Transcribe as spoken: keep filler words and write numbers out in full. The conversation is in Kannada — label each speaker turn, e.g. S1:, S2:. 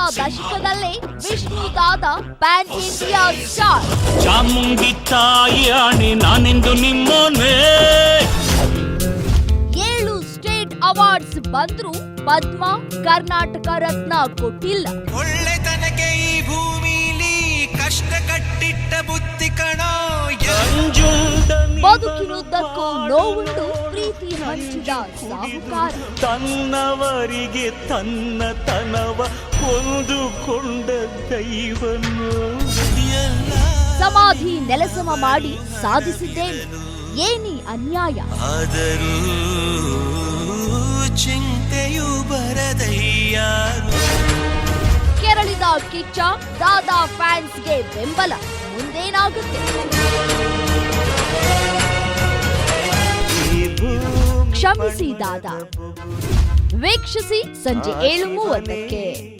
S1: ದಶಕದಲ್ಲೇ ವಿಷ್ಣು ದಾದ ಪ್ಯಾನ್ ಇಂಡಿಯಾ ಸ್ಟಾರ್.
S2: ಚಾಮುಂಡಿ ತಾಯಿ ನಾನೆಂದು ನಿಮ್ಮನೆ.
S1: ಏಳು ಸ್ಟೇಟ್ ಅವಾರ್ಡ್ಸ್ ಬಂದ್ರು ಪದ್ಮ ಕರ್ನಾಟಕ ರತ್ನ ಕೊಟ್ಟಿಲ್ಲ.
S3: ಒಳ್ಳೆತನಕ್ಕೆ ಈ ಭೂಮಿಲಿ ಕಷ್ಟ ಕಟ್ಟಿಟ್ಟ ಬುತ್ತಿ ಕಣೋ.
S1: ಬದುಕಿನುದ್ದಕ್ಕೂ ನೋವುಂಡು ಪ್ರೀತಿ ಹಂಚಿದ ಸಾಹುಕಾರ.
S2: ತನ್ನವರಿಗೆ ತನ್ನ ತನವ ಕೊಂದುಕೊಂಡ ದೈವನು.
S1: ಸಮಾಧಿ ನೆಲಸಮ ಮಾಡಿ ಸಾಧಿಸಿದ್ದೇನೆ, ಏನಿ ಅನ್ಯಾಯ.
S3: ಆದರೂ ಚಿಂತೆಯು ಬರದಯ್ಯ.
S1: ಕೆರಳಿದ ಕಿಚ್ಚ ದಾದಾ ಫ್ಯಾನ್ಸ್ಗೆ ಬೆಂಬಲ. ಮುಂದೇನಾಗುತ್ತೆ? ಕ್ಷಮಿಸಿ ದಾದಾ. ವೀಕ್ಷಿಸಿ ಸಂಜೆ ಏಳು ಮೂವತ್ತಕ್ಕೆ.